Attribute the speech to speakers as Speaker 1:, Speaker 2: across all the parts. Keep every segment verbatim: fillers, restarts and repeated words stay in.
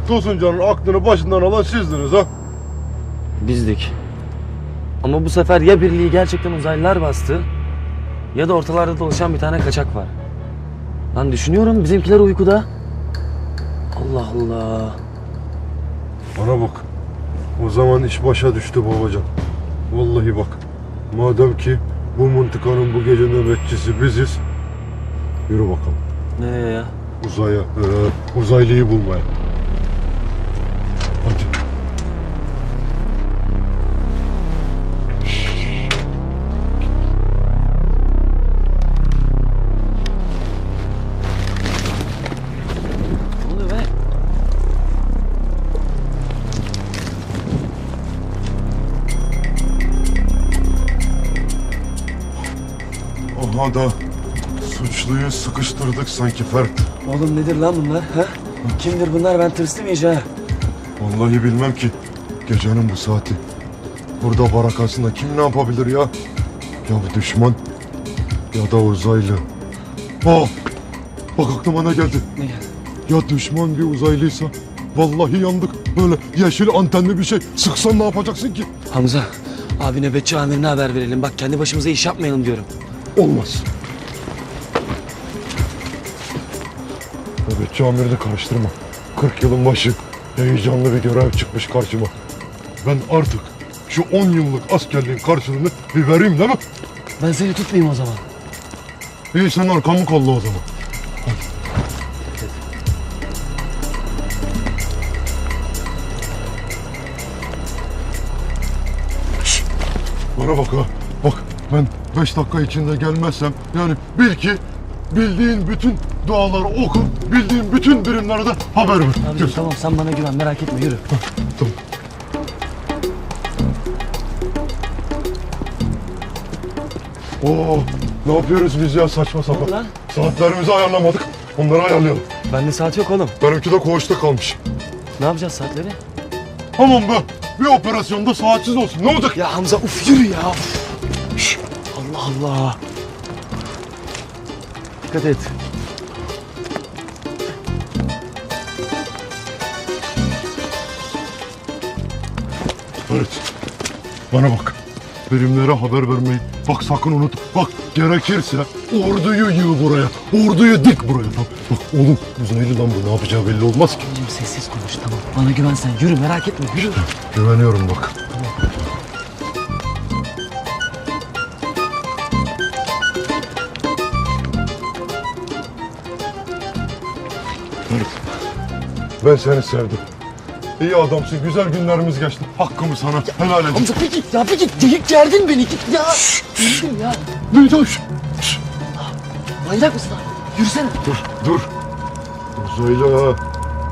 Speaker 1: Tosuncan'ın aklını başından alan sizdiniz ha?
Speaker 2: Bizdik. Ama bu sefer ya birliği gerçekten uzaylılar bastı ya da ortalarda dolaşan bir tane kaçak var. Lan düşünüyorum bizimkiler uykuda. Allah Allah.
Speaker 1: Bana bak. O zaman iş başa düştü babacan. Vallahi bak. Madem ki bu mıntıkanın bu gece nöbetçisi biziz. Yürü bakalım.
Speaker 2: Nereye ya?
Speaker 1: Uzaya, ee, uzaylıyı bulmaya. Hadi.
Speaker 2: Ne oluyor be?
Speaker 1: Aha da suçluyu sıkıştırdık sanki Ferdi.
Speaker 2: Oğlum nedir lan bunlar ha? Kimdir bunlar, ben tırstım iyice ha.
Speaker 1: Vallahi bilmem ki. Gecenin bu saati. Burada barakasında kim ne yapabilir ya? Ya düşman ya da uzaylı. Oh! Bak aklıma ne geldi?
Speaker 2: Ne geldi?
Speaker 1: Ya düşman bir uzaylıysa vallahi yandık. Böyle yeşil antenli bir şey sıksan ne yapacaksın ki?
Speaker 2: Hamza, abi nöbetçi amirine haber verelim. Bak kendi başımıza iş yapmayalım diyorum.
Speaker 1: Olmaz. Nöbetçi amirini karıştırma. kırk yılın başı heyecanlı bir görev çıkmış karşıma. Ben artık şu on yıllık askerliğin karşılığını bir vereyim değil mi?
Speaker 2: Ben seni tutmayayım o zaman.
Speaker 1: İyi sen arkamı kolla o zaman. Şşt, bana bak ha. Bak ben beş dakika içinde gelmezsem yani bil ki bildiğin bütün duaları oku, bildiğin bütün birimlere de haber ver.
Speaker 2: Abi
Speaker 1: Gel.
Speaker 2: tamam, sen bana güven, merak etme, yürü.
Speaker 1: Tamam. Oo, ne yapıyoruz biz ya saçma sapan?
Speaker 2: lan?
Speaker 1: Saatlerimizi ayarlamadık. Onları ayarlayalım.
Speaker 2: Bende saat yok oğlum.
Speaker 1: Benimki de koğuşta kalmış.
Speaker 2: Ne yapacağız saatleri?
Speaker 1: Tamam be. Bir operasyonda saatsiz olsun. Ne olacak?
Speaker 2: Ya Hamza uf yürü ya. Şş, Allah Allah. Dikkat et.
Speaker 1: Evet. Bana bak. Birimlere haber vermeyi. Bak sakın unut. Bak gerekirse orduyu yığ buraya. Orduyu dik buraya. Bak, bak oğlum uzaylı lan bu. Ne yapacağı belli olmaz ki.
Speaker 2: Oğlum sessiz konuş, tamam. Bana güven sen. Yürü, merak etme, yürü.
Speaker 1: Güveniyorum bak. Evet. Ben seni sevdim. İyi adamsın. Güzel günlerimiz geçti. Hakkımı sana helal edin.
Speaker 2: Hamza bir git ya, bir git. Geyik gerdin beni, git ya. Yürü ya.
Speaker 1: Ne dur?
Speaker 2: Manyak mısın abi? Yürüsene.
Speaker 1: Dur, dur. Uzaylı ha.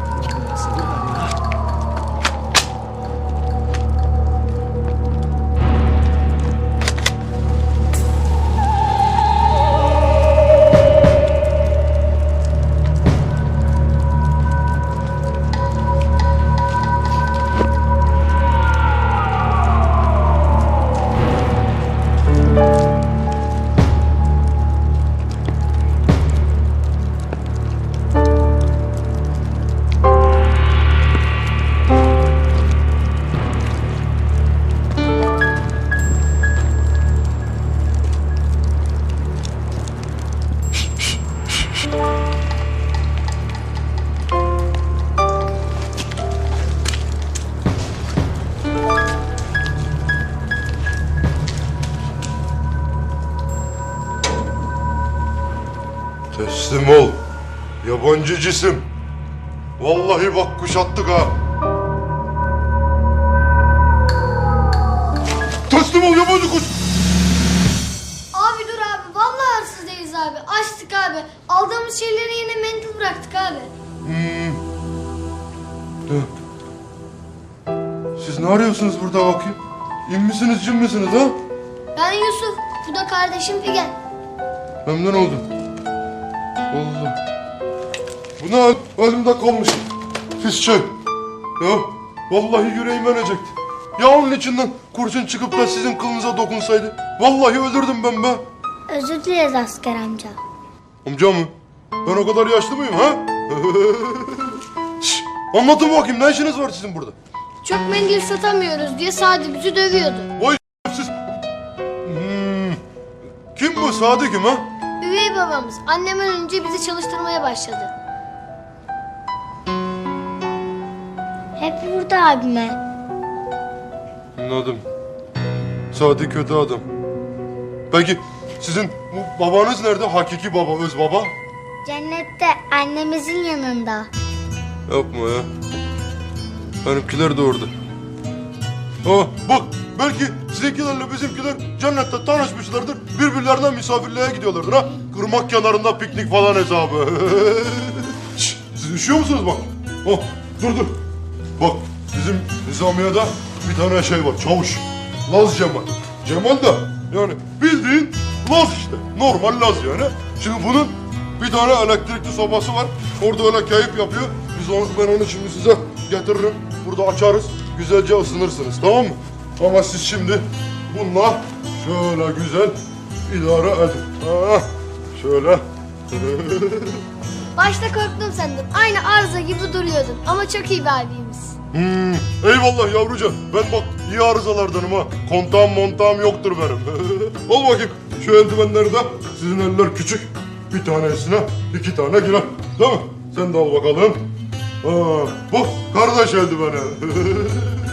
Speaker 1: Teslim ol. Yabancı cisim. Vallahi bak kuşattık ha. Teslim ol yabancı kuş.
Speaker 3: Abi dur abi. Vallahi hırsız değiliz abi. Açtık abi. Aldığımız şeyleri yine mendil bıraktık abi.
Speaker 1: Hmm. De. Siz ne arıyorsunuz burada bakayım? İn misiniz cin misiniz ha?
Speaker 3: Ben Yusuf. Bu da kardeşim Figen.
Speaker 1: Memnun oldum. Allah. Bu ne hal? Elimde kalmış. Pis şey. Ya vallahi yüreğim ölecekti. Ya onun içinden kurşun çıkıp da sizin kılınıza dokunsaydı. Vallahi öldürdüm ben be.
Speaker 3: Özür dileriz asker amca.
Speaker 1: Amca mı? Ben o kadar yaşlı mıyım ha? Şş, Anlatın bakayım, ne işiniz var sizin burada?
Speaker 3: Çok mendil satamıyoruz diye Sadi bizi dövüyordu.
Speaker 1: Vay siz... Hmm. Kim bu, Sadi kim ha?
Speaker 3: Üvey babamız annem ölünce bizi çalıştırmaya başladı. Hep burada abime.
Speaker 1: Anladım. Sadi kötü adam. Peki sizin bu babanız nerede? Hakiki baba, öz baba?
Speaker 3: Cennette annemizin yanında.
Speaker 1: Yapma ya. Benimkiler de orada. Aa, bak belki sizinkilerle bizimkiler cennette tanışmışlardır. Birbirlerine misafirliğe gidiyorlardır ha. Kırmak kenarında piknik falan hesabı. Şşş, siz üşüyor musunuz bak? Oh, dur dur. Bak bizim nizamiyede bir tane şey var, çavuş. Laz Cemal. Cemal da yani bildiğin Laz işte. Normal Laz yani. Şimdi bunun bir tane elektrikli sobası var. Orada öyle keyif yapıyor. Biz onu, ben onu şimdi size getiririm. Burada açarız. Güzelce ısınırsınız, tamam mı? Ama siz şimdi bununla şöyle güzel idare edin. Ha, şöyle.
Speaker 3: Başta korktum sandım. Aynı arıza gibi duruyordun. Ama çok iyi bir abimiz.
Speaker 1: Hmm, eyvallah yavrucan. Ben bak iyi arızalardanım ha. Kontağım montağım yoktur benim. Al bakayım şu eldivenleri de. Sizin eller küçük. Bir tanesine iki tane girer. Değil mi? Sen de al bakalım. Ha, bak kardeş eldiveni.